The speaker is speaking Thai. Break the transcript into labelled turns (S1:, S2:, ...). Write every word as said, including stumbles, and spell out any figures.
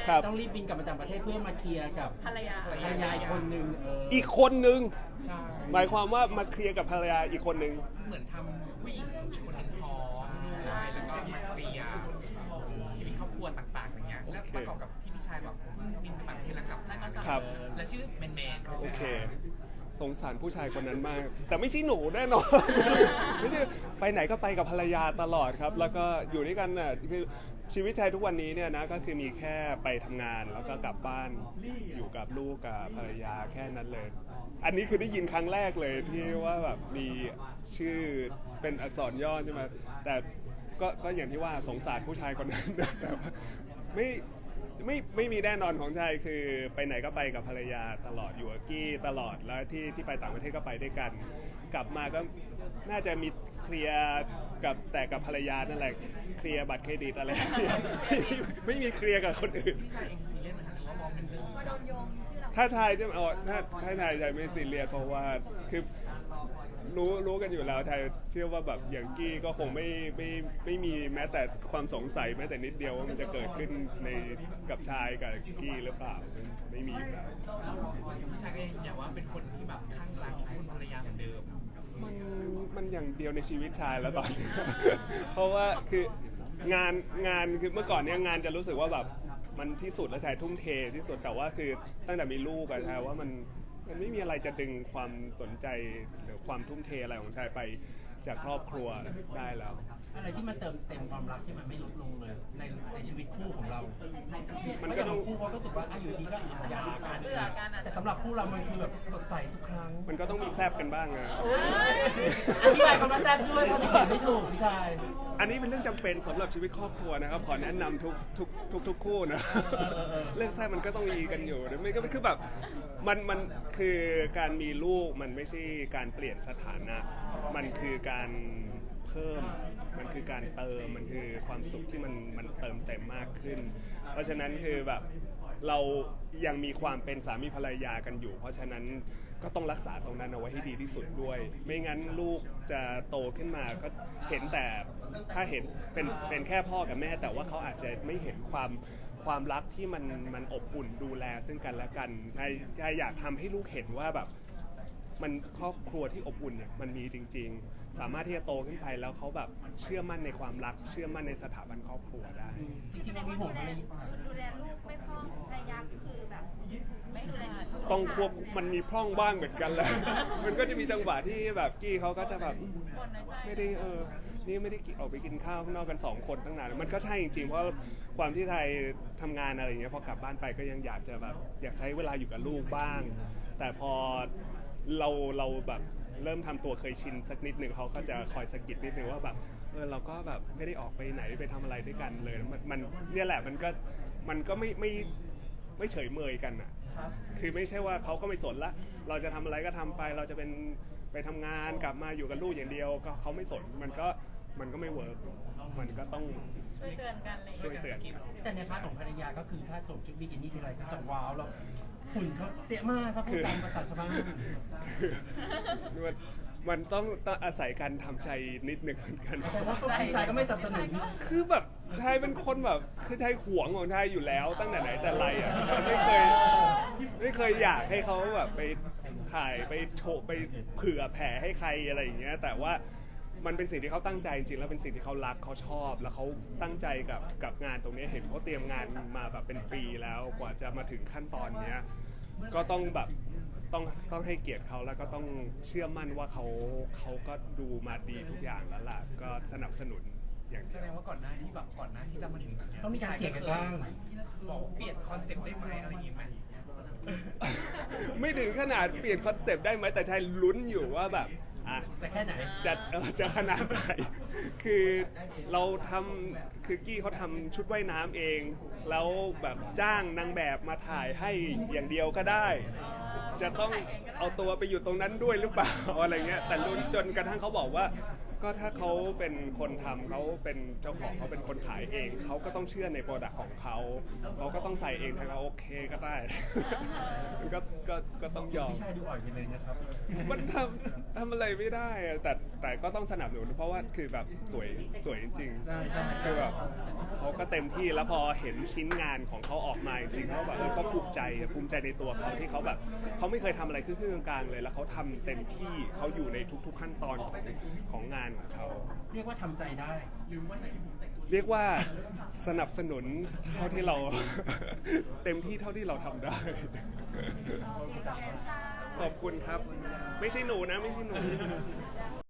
S1: ครับ
S2: ต้องรีบบินกลับมาจากประเทศเพื่อมาเคลียร์กับ
S3: ภรรยา
S2: ภรรยาอีกคนนึงเออ
S1: อีกคนนึง
S4: ใช่
S1: หมายความว่ามาเคลียร์กับภรรยาอีกคนนึง
S4: เหมือนทำผู้หญิงคนหนึ่งท้องด้วยแล้วก็มาเคลียร์ชีวิตครอบครัวต่างๆอย่างเงี้ยแล้วประกอบกับที่พี่ชายแบบบินไปต่างประเทศแล้วกลับแล้วก็กลับ
S1: ครับ
S4: และชื่อแมนแมน
S1: โอเค สงสารผู้ชายคนนั้นมาก แต่ไม่ใช่หนูแน่นอน ไม่ใช่ไปไหนก็ไปกับภรรยาตลอดครับ แล้วก็อยู่ด้วยกันน่ะคือชีวิตชายทุกวันนี้เนี่ยนะก็คือมีแค่ไปทำงานแล้วก็กลับบ้านอยู่กับลูกกับภรรยาแค่นั้นเลย อันนี้คือได้ยินครั้งแรกเลยที่ว่าแบบมีชื่อเป็นอักษรย่อใช่ไหมแต่ก็ก็อย่างที่ว่าสงสารผู้ชายคนนั้น แต่ว่าไม่ไม่ไม่มีแน่นอนของชายคือไปไหนก็ไปกับภรรยาตลอดอยู่กับกี้ตลอดแล้วที่ที่ไปต่างประเทศก็ไปด้วยกัน กลับมาก็น่าจะมีเคลียร์กับแต่กับภรรยานั่นแหละเคลียร์บัตรเครดิตอะไร ไม่มีเคลียร์กับคนอื่น
S4: พี่ชายเองซีเรียสไหมคะหรือว่ามองเป็นเรื่อง
S3: มาโดนโยงชื่อเรา
S1: ถ้าชายจะเอาถ้าถ้าชายชายไม่ซีเรียสเพราะว่าคือรู้รู้กันอยู่แล้วชายเชื่อว่าแบบอย่างกี้ก็คงไม่ไม่ไม่มีแม้แต่ความสงสัยแม้แต่นิดเดียวว่ามันจะเกิดขึ้นในกับชายกับกี้หรือเปล่ามันไม่มีอยู่แล้ว
S4: พี่ชายก็ยังอยากว่าเป็นคนที่แบบข้างรักคุณภรรยาเหมือนเดิม
S1: มันมันอย่างเดียวในชีวิตชายแล้วตอนนี้ เพราะว่าคืองานงานคือเมื่อก่อนเนี้ยงานจะรู้สึกว่าแบบมันที่สุดแล้วชายทุ่มเทที่สุดแต่ว่าคือตั้งแต่มีลูกอะชายว่ามันมันไม่มีอะไรจะดึงความสนใจหรือความทุ่มเทอะไรของชายไปจากครอบครัวได้แล้ว
S2: อะไรที่มันเติมเต็มความรักที่มันไม่ลดลงเลยในในชีวิตคู่ของเรา
S1: มันก็ต้อง
S2: คู่เขาก็รู้สึกว่าอ่ะอยู่ดีก็หย่ากัน
S3: เบื่อกันอ่ะ
S2: แต่สำหรับคู่เรามันคือแบบสดใสทุกครั้ง
S1: มันก็ต้องมีแซบกันบ้างอะ
S2: อธิบายคำว่าแซ่บด้วยเพราะที่เขียนไม่ถูกพี่ชาย
S1: อันนี้เป็นเรื่องจำเป็นสำหรับชีวิตครอบครัวนะครับขอแนะนำทุกทุกทุกทุกคู่นะ เรื่องแซบมันก็ต้องมีกันอยู่นะไม่ก็คือแบบมันมันคือการมีลูกมันไม่ใช่การเปลี่ยนสถานะ มันคือการเพิ่มมันคือการเติมมันคือความสุขที่มันมันเติมเต็มมากขึ้น เพราะฉะนั้นคือแบบเรายังมีความเป็นสามีภรรยากันอยู่ เพราะฉะนั้นก็ต้องรักษาตรงนั้นเอาไว้ให้ดีที่สุดด้วย ไม่งั้นลูกจะโตขึ้นมาก็เห็นแต่ถ้าเห็นเป็นเป็นแค่พ่อกับแม่ แต่ว่าเขาอาจจะไม่เห็นความความรักที่มันมันอบอุ่นดูแลซึ่งกันและกันใช่ใช่อยากทำให้ลูกเห็นว่าแบบมันครอบครัวที่อบอุ่นเนี่ยมันมีจริง ๆ สามารถที่จะโตขึ้นไปแล้วเขาแบบเชื่อมั่นในความรัก เชื่อมั่นในสถาบันครอบครัวได้
S2: จริงๆมันมีห่วงอะไร
S3: ดูแลลูกไม่พร่องภรรยาคือแบบไม่ดูแลลูก
S1: ต้องควบมันมีพร่องบ้างเหมือนกันแหละ มันก็จะมีจังหวะที่แบบกี้เขาก็จะแบบ
S3: คนในใจ
S1: ไม่ได้เออ นี่ไม่ได้กินออกไปกินข้าวข้างนอกกันสองคนตั้งนาน มันก็ใช่จริงๆ เพราะความที่ไทยทำงานอะไรอย่างเงี้ยพอกลับบ้านไปก็ยังอยากจะแบบอยากใช้เวลาอยู่กับลูกบ้าง แต่พอเราเราแบบเริ่มทำตัวเคยชินสักนิดหนึ่งเขาก็จะคอยสะกิดนิดนึงว่าแบบเออเราก็แบบไม่ได้ออกไปไหนไปทำอะไรด้วยกันเลยมันมันเนี่ยแหละมันก็มันก็ไม่ไม่ไม่เฉยเมยกันอ่ะคือไม่ใช่ว่าเขาก็ไม่สนละเราจะทำอะไรก็ทำไปเราจะเป็นไปทำงานกลับมาอยู่กับลูกอย่างเดียวก็เขาไม่สนมันก็มันก็ไม่เวิร์กมันก็ต้อง
S3: ช่วยเตือนกันอะไรอย่าง
S1: ช่วย
S3: เลย
S1: เตือนกัน
S2: แต่ในพาร์ทของภรรยาก็คือถ้าสวมชุดบิกินี่ทีไรก็จะว้าวแล้วหุ่นเขาเสียมากครับพูดตามภาษาชาวบ้าน
S1: มันมันต้องต้องอาศัยการทำใจนิดหนึ่งเหมือนกัน
S2: แสดงว่าพี่ชายก็ไม่สนับสนุน
S1: คือแบบไทยเป็นคนแบบคือไทยหวงของไทยอยู่แล้วตั้งแต่ไหนแต่ไรอ่ะไม่เคยไม่เคยอยากให้เขาแบบไปถ่ายไปโชว์ไปเผื่อแผ่ให้ใครอะไรอย่างเงี้ยแต่ว่ามันเป็นสิ่งที่เขาตั้งใจจริงๆแล้วเป็นสิ่งที่เขารักเขาชอบ แล้วเขาตั้งใจกับกับงานตรงนี้เห็นเขาเตรียมงานมาแบบเป็นปีแล้วกว่าจะมาถึงขั้นตอนเนี้ยก็ต้องแบบต้องต้องให้เกียรติเขาแล้วก็ต้องเชื่อมั่นว่าเขาเขาก็ดูมาดีทุกอย่างแล้วล่ะก็สนับสนุนอย่าง
S4: แส
S1: เดียว
S4: ดงว่าก่อนหน้าที่แบบก่อนหน้าที่จะมาถึงจุดเนี้ย
S2: ต้องมีการเถียงกันบ้าง
S4: บอกเปลี่ยนคอนเซ็ปต์ได้ไหมอะไรอย่างงี้ไหม
S1: ไม่ถึงขนาดเปลี่ยนคอนเซปต์ได้ไหมแต่ชายลุ้นอยู่ว่าแบบอ่ะ
S2: แต่แค่ไหน
S1: จะเอ่อจะขนาดไหน คือเราทำคือกี้เขาทำชุดว่ายน้ำเอง แล้วแบบจ้างนางแบบมาถ่ายให้อย่างเดียวก็ได้ จะต้องเอาตัวไปอยู่ตรงนั้นด้วยหรือเปล่า อะไรเงี้ยแต่ลุ้นจนกระทั่งเขาบอกว่าก็ถ้าเขาเป็นคนทำเขาเป็นเจ้าของเขาเป็นคนขายเองเขาก็ต้องเชื่อในโปรดักต์ของเขาเขาก็ต้องใส่เองทางเขาโอเคก็ได้ มันก็ก็ก็ต้องยอม
S2: พี่ชายดูอ่อนไปเลยนะครับ
S1: มันทำทำอะไรไม่ได้อะแต่แต่ก็ต้องสนับสนุนเพราะว่าคือแบบสวยสวยจริง
S2: ใช่ใช่
S1: ๆคือแบบเขาก็เต็มที่แล้วพอเห็นชิ้นงานของเขาออกมาจริงๆเขาแบบเออก็ภูมิใจอะภูมิใจในตัวเขาที่เขาแบบเขาไม่เคยทำอะไรครึ่งๆกลางๆเลยแล้วเขาทำเต็มที่เขาอยู่ในทุก ๆขั้นตอนของของงานของเขา
S2: เรียกว่าทำใจได้
S1: เรียกว่าสนับสนุนเท่าที่เรา เต็มที่เท่าที่เราทำได้ ขอบคุณครับ ไม่ใช่หนูนะไม่ใช่หนู